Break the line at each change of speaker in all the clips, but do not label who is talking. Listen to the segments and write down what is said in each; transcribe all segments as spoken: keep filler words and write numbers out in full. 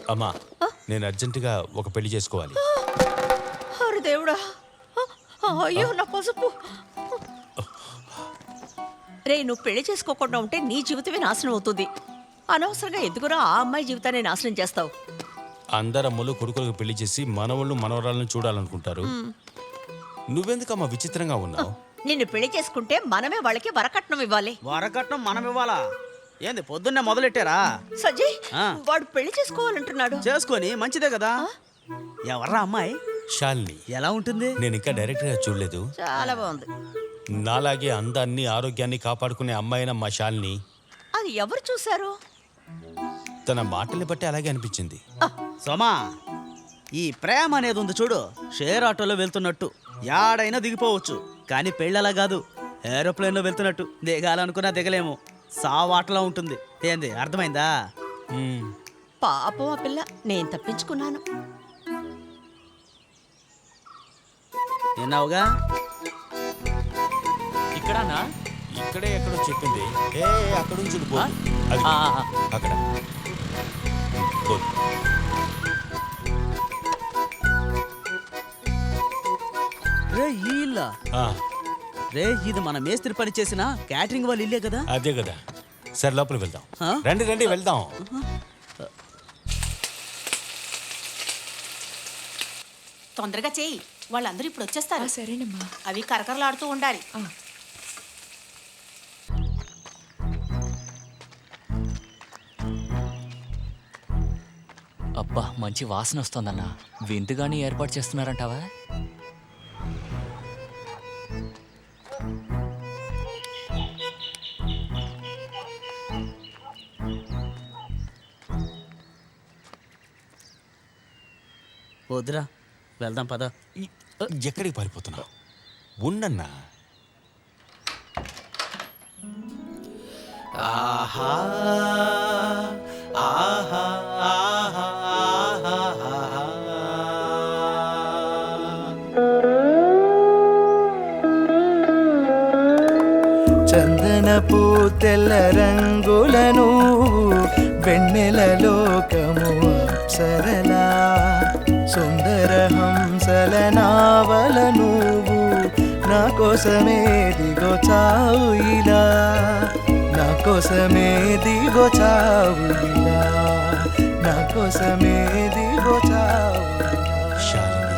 అమ్మా నేను అర్జెంటుగా ఒక పెళ్లి చేసుకోవాలి.
అరే దేవుడా, అయ్యో నా పసుపు. రే, నువ్వు పెళ్లి చేసుకోకుండా ఉంటే నీ జీవితమే నాశనం అవుతుంది. అనవసరంగా ఎందుకురా ఆ అమ్మాయి జీవితాన్ని నాశనం చేస్తావు?
అందరమ్మలు కొడుకులకు పెళ్లి చేసి మనవళ్ళు మనవరాలను చూడాలనుకుంటారు. నువ్వెందుకమ్మా విచిత్రంగా ఉన్నావు?
నిన్ను పెళ్లి చేసుకుంటే మనమే వాళ్ళకి వరకట్నం ఇవ్వాలి.
వరకట్నం మనం ఇవ్వాలా? ఏంది పొద్దున్నే మొదలెట్టారా?
సజ్జయ్,
ఆ.
వాడు పెళ్లి చేసుకోవాలంటున్నాడు.
చేసుకొని మంచిదే కదా. ఎవర్రా అమ్మాయి?
శాలిని.
ఎలా ఉంటుంది?
నేను ఇంకా డైరెక్ట్ గా చూడలేదు.
చాలా బాగుంది.
నాలాగే అందాన్ని ఆరోగ్యాన్ని కాపాడుకునే అమ్మాయిన మా శాలిని.
అది ఎవరు చూశారు?
తన మాటల్ని బట్టి అలాగే అనిపించింది.
సోమా, ఈ ప్రేమ అనేది ఉంది చూడు, షేర్ ఆటోలో వెళ్తున్నట్టు యాడైనా దిగిపోవచ్చు. కానీ పెళ్ళలా కాదు, ఏరోప్లేన్లో వెళ్తున్నట్టు. దిగాలనుకున్నా దిగలేము, సావాటలా ఉంటుంది. ఏంది, అర్థమైందా?
మ్మ్.
పాపం ఆ పిల్ల, నేను తప్పించుకున్నాను.
విన్నావుగా?
ఇక్కడనా?
ఇక్కడే ఎక్కడో చెప్పింది. ఏ అక్కడ నుంచి పో. అది
ఆ, ఆ, ఆ.
అక్కడ పో.
రే ఈ ఇల్లా?
ఆ,
రే, ఇది మన మేస్త్రి పని చేసిన క్యాటరింగ్ వాళ్ళు ఇల్లే కదా?
అదే కదా. సరే లోపలికి వెళ్దాం.
ఆ?
రండి రండి వెళ్దాం.
తొందరగా చేయి, వాళ్ళందరూ ఇప్పుడు వచ్చేస్తారు.
సరేనమ్మా.
అవి కరకరలాడుతూ ఉండాలి.
అబ్బా, మంచి వాసన వస్తోందన్నా. విందుగాని ఏర్పాటు చేస్తున్నారంటావా?
వద్దురా, వెళ్దాం పద.
ఈ- ఎక్కడికి పారిపోతున్నావు? ఉండన్నా.
ఆహా ఆహా ఆహా
చందనపు తెల్ల రంగులను వెన్నెల లోకము అప్సరలా సుందర హంసల నావల నువ్వు నా కోసమే దిగో చావు ఇలా, నా కోసమే దిగో చావు ఇలా, నా కోసమే దిగో చావు ఇలా.
శాలిని.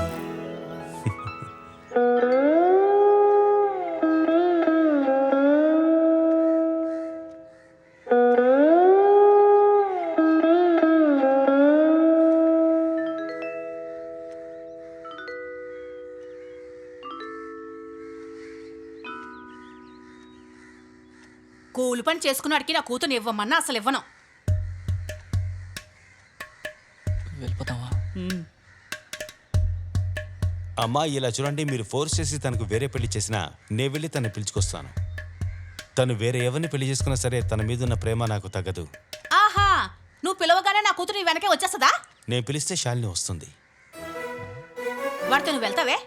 కూలి పని చేసుకున్నాడికి నా కూతురు ఇవ్వమన్నా అసలు ఇవ్వను.
వెళ్ళిపోతావా?
అమ్మా ఇలా చూడండి, మీరు ఫోర్స్ చేసి తనకు వేరే పెళ్లి చేసినా నేను వెళ్ళి తను పిలుచుకొస్తాను. తను వేరే ఎవరిని పెళ్లి చేసుకున్నా సరే తన మీదున్న ప్రేమ నాకు తగ్గదు.
ఆహా, నువ్వు పిలవగానే నా కూతురు నీ వెనకే వచ్చేస్తుందా?
నేను పిలిస్తే శాలిని వస్తుంది.
వాడితో నువ్వు వెళ్తావే?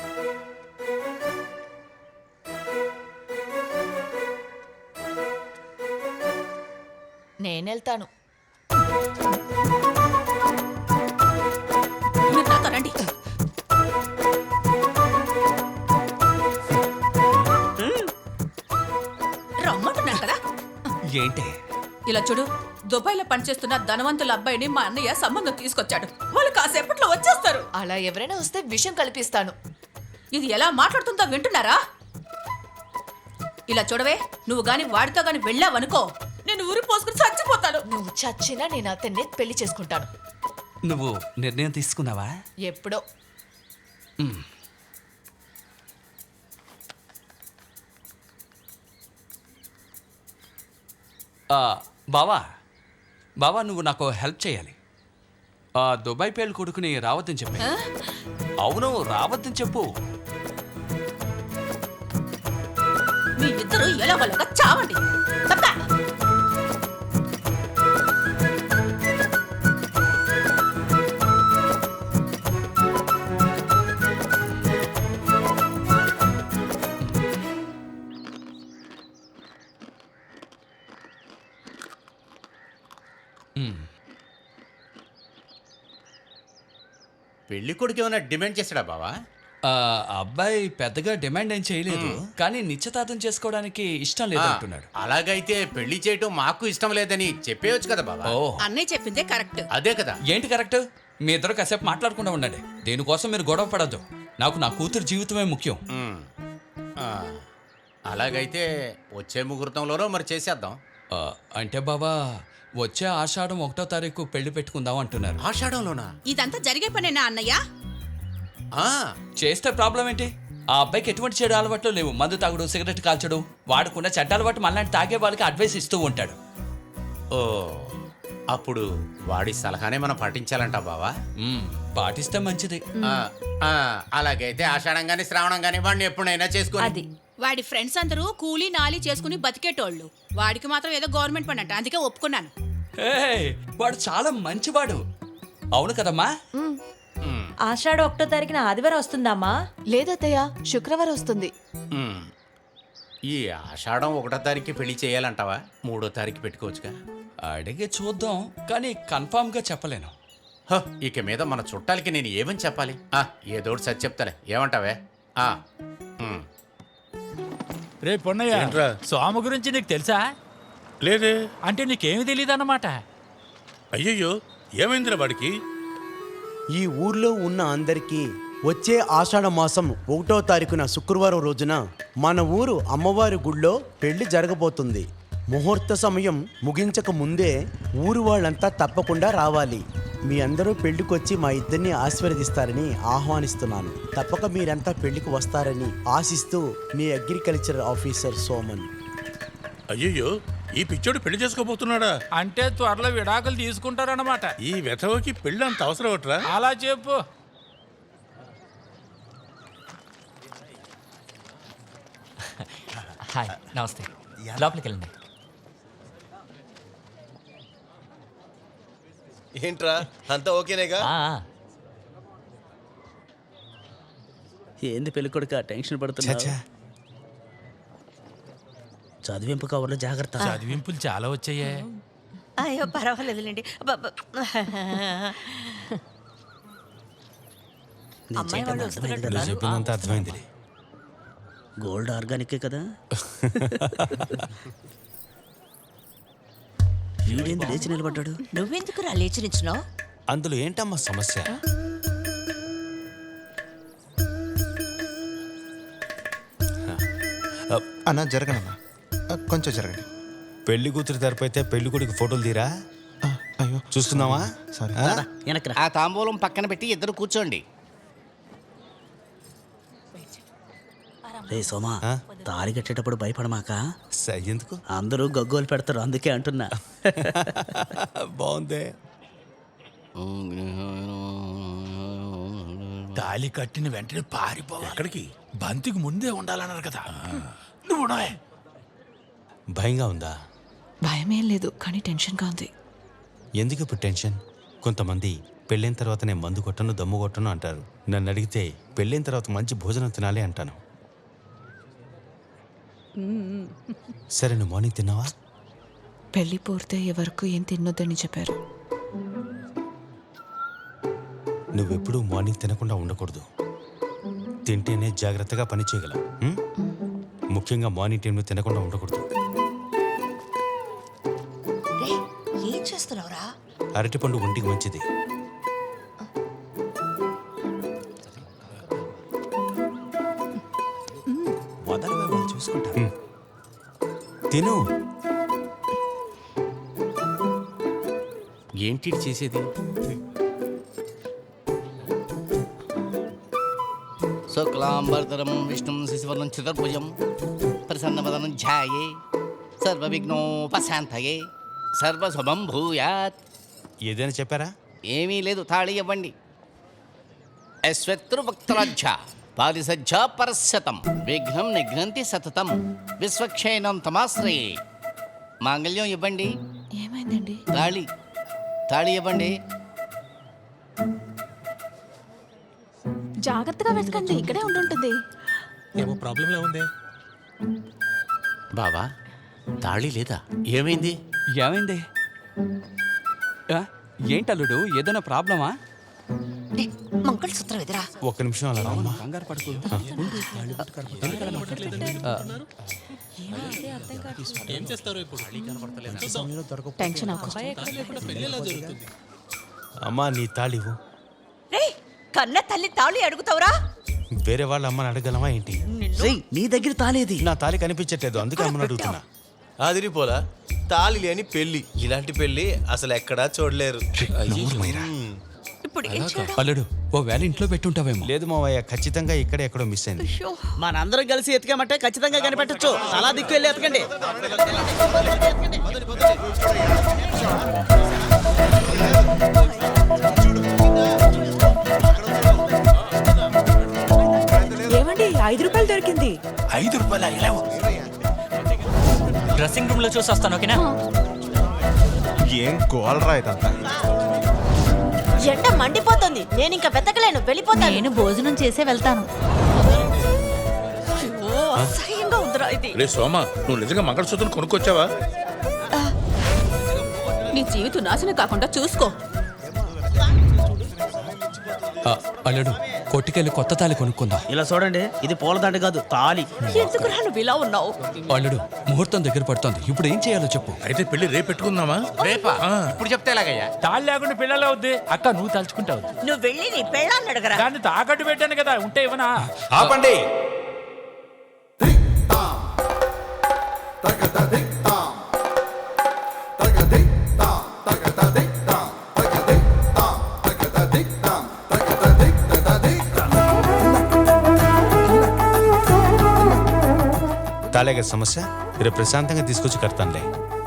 నేనెళ్తాను.
మీరు నాతో రండి. రమ్మంటున్నాను కదా.
ఏంటి?
ఇలా చూడు, దుబాయ్లో పనిచేస్తున్న ధనవంతుల అబ్బాయిని మా అన్నయ్య సంబంధం తీసుకొచ్చాడు. వాళ్ళు కాసేపట్లో వచ్చేస్తారు.
అలా ఎవరైనా వస్తే విషయం కల్పిస్తాను.
ఇది ఎలా మాట్లాడుతుందో వింటున్నారా? ఇలా చూడవే, నువ్వు గాని వాడితో గాని వెళ్ళావనుకో, నేను ఊరి పోసుకుని చచ్చిపోతాను.
నువ్వు చచ్చినా నేను అతన్ని పెళ్లి చేసుకుంటాను.
నువ్వు నిర్ణయం తీసుకున్నావా?
ఎప్పుడో.
ఆ, బావా బావా నువ్వు నాకు హెల్ప్ చేయాలి. ఆ దుబాయ్ పేలు కొడుకుని రావద్దని చెప్పి. అవును, రావద్దని చెప్పు.
మీ ఇద్దరు ఎలా వాళ్ళగా చావండి. తప్పా?
పెళ్లి కొడుకు ఏమైనా డిమాండ్ చేశాడా బావా?
ఆ, అబ్బాయి పెద్దగా డిమాండ్ ఏం చేయలేదు, కానీ నిశ్చితార్థం చేసుకోవడానికి ఇష్టం లేదు అంటున్నాడు.
అలాగైతే పెళ్లి చేయటం మాకు ఇష్టం లేదని చెప్పేయచ్చు కదా బావా.
ఓ
అన్నయ్య చెప్పిందే కరెక్ట్.
అదే కదా.
ఏంటి కరెక్ట్? మీ ఇద్దరు కాసేపు మాట్లాడకుండా ఉండండి. దీనికోసం మీరు గొడవ పడద్దు. నాకు నా కూతురు జీవితమే ముఖ్యం.
ఉమ్. ఆ, అలాగైతే వచ్చే ముహూర్తంలోనో మరి చేసేద్దాం.
ఆ, అంటే బాబా వచ్చే ఆషాఢం ఒకటో తారీఖు పెళ్లి పెట్టుకుందాం అంటున్నారు.
ఆషాఢంలోనా?
ఇదంతా జరిగే పనేనా అన్నయ్య?
ఆ,
చేస్తే ప్రాబ్లం ఏంటి? ఆ అబ్బాయికి ఎటువంటి చెడు అలవాట్లు లేవు. మందు తాగుడు, సిగరెట్ కాల్చడు. వాడుకున్న చెడ్డ అలవాటు మళ్ళీ తాగే వాళ్ళకి అడ్వైస్ ఇస్తూ ఉంటాడు.
ఓ అప్పుడు వాడి సలహానే మనం పాటించాలంట బావా.
మ్మ్, పాటిస్తే మంచిది.
ఆ, ఆ, అలాగైతే ఆషాఢం గాని శ్రావణం గాని వాడిని ఎప్పుడైనా చేసుకో.
అది
వాడి ఫ్రెండ్స్ అందరూ కూలీ నాలి చేసుకుని బతికేటోళ్ళు. వాడికి మాత్రం ఏదో గవర్నమెంట్ పని అంట, అందుకే ఒప్పుకున్నాను.
ఏయ్, వాడు చాలా మంచివాడు. అవును కదమ్మా?
ఆషాఢ ఒకటో తారీఖున ఆదివారం వస్తుందమ్మా?
లేదత్తయ్య, శుక్రవారం వస్తుంది.
ఉమ్. ఈ ఆషాఢం ఒకటో తారీఖు పెళ్లి చేయాలంటావా? మూడో తారీఖు పెట్టుకోవచ్చుగా.
అడిగి చూద్దాం, కానీ కన్ఫామ్ గా చెప్పలేను.
హ, ఇక మీద మన చుట్టాలకి నేను ఏమని చెప్పాలి? ఆ, ఏదోటి సరి చెప్తాలే. ఏమంటావే? ఆ, ఉమ్.
రే పొన్నయ్య, సోమ గురించి నీకు తెలుసా?
లేదే.
అంటే నీకేమి తెలియదు అన్నమాట.
అయ్యయ్యో, ఏమైందిరా వాడికి?
ఈ ఊర్లో ఉన్న అందరికీ వచ్చే ఆషాఢ మాసం ఒకటో తారీఖున శుక్రవారం రోజున మన ఊరు అమ్మవారి గుళ్ళో పెళ్లి జరగబోతుంది. ముహూర్త సమయం ముగించక ముందే ఊరు వాళ్ళంతా తప్పకుండా రావాలి. మీ అందరూ పెళ్లికొచ్చి మా ఇద్దరిని ఆశీర్వదిస్తారని ఆహ్వానిస్తున్నాను. తప్పక మీరంతా పెళ్లికి వస్తారని ఆశిస్తూ మీ అగ్రికల్చర్ ఆఫీసర్ సోమన్.
అయ్యయ్యో, ఈ పిచ్చోడు పెళ్లి చేసుకోబోతున్నాడా?
అంటే త్వరలో విడాకులు తీసుకుంటారన్నమాట.
ఈ వెధవకి పెళ్లి అంత అవసరం ఒకట్రా?
అలా చెప్పు.
హాయ్, నమస్తే. లోపలికి వెళ్ళండి.
ఏంట్రా, అంతా ఓకేనేగా?
ఆ,
ఏంది పెళ్లి కొడుక టెన్షన్ పడుతున్నా?
చచ్చా
చదివింపు కవర్లో జాగ్రత్త.
చదివింపులు చాలా వచ్చాయే.
అయ్యో పర్వాలేదులేండి. అబ్బబ్బ. అమ్మాయి వాళ్ళు వస్తున్నట్టు
నువ్వు చెప్పినంత అర్థమైంది.
గోల్డ్ ఆర్గానికే కదా. వీడేంది లేచి నిలబడ్డాడు?
నువ్వెందుకు రా లేచి నించున్నావు?
అందులో ఏంటమ్మా సమస్య?
అన్నా జరగనన్నా, కొంచెం జరగండి.
పెళ్లి కూతురు తరపు అయితే పెళ్లి కొడుకు ఫోటోలు తీరా.
అయ్యో
చూస్తున్నావా?
సారీ.
ఆ?
వెనక్రా.
ఆ తాంబూలం పక్కన పెట్టి ఇద్దరు కూర్చోండి.
రే సోమా,
ఆ?
తాళి కట్టేటప్పుడు భయపడమాక.
స- ఎందుకు?
అందరూ గగ్గోలు పెడతారు, అందుకే అంటున్నా.
బాగుంది.
తాళి కట్టిన వెంటనే పారిపోవాలి.
ఎక్కడికి?
బంతికి ముందే ఉండాలన్నారు కదా. నువ్వు ఉండవే.
భయంగా ఉందా?
భయమేం లేదు, కానీ టెన్షన్గా ఉంది.
ఎందుకు ఇప్పుడు టెన్షన్? కొంతమంది పెళ్ళైన తర్వాత నేను మందు కొట్టను, దమ్ము కొట్టను అంటారు. నన్ను అడిగితే పెళ్ళైన తర్వాత మంచి భోజనం తినాలి అంటాను. సరే, నువ్వు మార్నింగ్ తిన్నావా?
పెళ్లి పూర్తయ్యే వరకు ఏం తినొద్దని చెప్పారు.
నువ్వెప్పుడూ మార్నింగ్ తినకుండా ఉండకూడదు. తింటేనే జాగ్రత్తగా పని చేయగలం. ఉం? ముఖ్యంగా మార్నింగ్ టైంలో తినకుండా ఉండకూడదు.
రేయ్, ఏం చేస్తున్నావురా?
అరటిపండు ఒంటికి మంచిది. వదలవే, వాళ్ళు చూసుకుంటారు. ఉం. తిను.
ఏంటి చేసేది? శుక్లాంబరధరం విష్ణుం శశివర్ణం చతుర్భుజం ప్రసన్నవదనం ధ్యాయే సర్వవిఘ్నోపశాంతయే సర్వశుభం భూయాత్.
ఏదైనా చెప్పారా?
ఏమీ లేదు, తాళి ఇవ్వండి. అశ్వత్రువక్త్రాజ్య పారిసజ్జ పరశతం విఘ్నం నిఘ్నంతి సతతం విశ్వక్షేణం తమాశ్రయే. మాంగళ్యం ఇవ్వండి.
ఏమైందండి?
తాళి తాళి ఇవ్వండి.
జాగ్రత్తగా వెతకండి, ఇక్కడే ఉండుంటుంది.
ఏమో ప్రాబ్లంలా ఉంది.
బావా, తాళి లేదా? ఏమైంది?
ఏమైంది? ఆ? ఏంటల్లుడు, ఏదైనా ప్రాబ్లమా?
డే, మంగళసూత్రం ఎదురా
ఒక్క నిమిషం అలా రామ్మా.
కంగారు పడుకో
టెన్షన్ ఆకు.
అమ్మా నీ తాళివు.
రే కన్న తల్లి తాళి అడుగుతావురా?
వేరే వాళ్ళ అమ్మని అడగలమా ఏంటి?
రేయ్ నీ దగ్గర తాలేది.
నా తాళి కనిపించట్లేదు, అందుకే అమ్మని అడుగుతున్నా.
అదిరిపోలా తాళి లేని పెళ్లి, ఇలాంటి పెళ్లి అసలు ఎక్కడా చూడలేరు.
ఇప్పుడు ఏం చేయడం?
అల్లుడు ఓ వేళ ఇంట్లో పెట్టుంటావేమో.
లేదు మావయ్య, ఖచ్చితంగా ఇక్కడే ఎక్కడో మిస్ అయింది.
అయ్యో,
మనందరం కలిసి ఎతికామంటే ఖచ్చితంగా కనిపెట్టొచ్చు. అలా దిక్కు వెళ్ళి ఎతకండి.
ఏమండి ఐదు రూపాయలు దొరికింది.
ఐదు రూపాయలు ఇలావు.
డ్రెస్సింగ్ రూమ్ లో చూసి వస్తాను, ఓకేనా?
ఏం గోల్రా ఇదంతా.
ఎండ మండిపోతుంది, నేను ఇంకా వెతకలేను, వెళ్ళిపోతాను. నేను భోజనం చేసే వెళ్తాను.
అయ్యో, అసహ్యంగా ఉందిరా ఇది.
రే సోమ, నువ్వు నిజంగా మంగళసూత్రం కొనుక్కొచ్చావా?
నీ జీవితం నాశనం కాకుండా చూసుకో.
ఆ, అల్లుడు కొట్టుకెళ్ళి కొత్త తాళి కొనుక్కుందాం.
ఇలా చూడండి, ఇది పూలదండ కాదు తాళి.
ఎందుకురా నువ్వు ఇలా ఉన్నావు?
అల్లుడు ముహూర్తం దగ్గర పడుతోంది, ఇప్పుడు ఏం చేయాలో చెప్పు.
అయితే పెళ్లి రేపు పెట్టుకుందామా?
రేపా ఇప్పుడు చెప్తే ఎలాగయ్యా?
తాళ్ళు లేకుండా పిల్లలు అవుద్ది అక్క, నువ్వు తలుచుకుంటావు.
నువ్వు వెళ్ళి నీ పెళ్ళాన్ని అడగరా.
దాన్ని తాకట్టు పెట్టాను కదా, ఉంటే ఇవ్వనా?
ఆపండి. తాళేగా సమస్య, రేపు ప్రశాంతంగా తీసుకొచ్చి కడతానులే.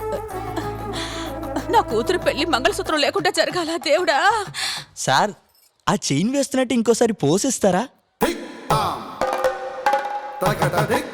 నా కూతురు పెళ్లి మంగళసూత్రం లేకుండా జరగాల దేవుడా.
సార్ ఆ చైన్ వేస్తున్నట్టు ఇంకోసారి పోసిస్తారా?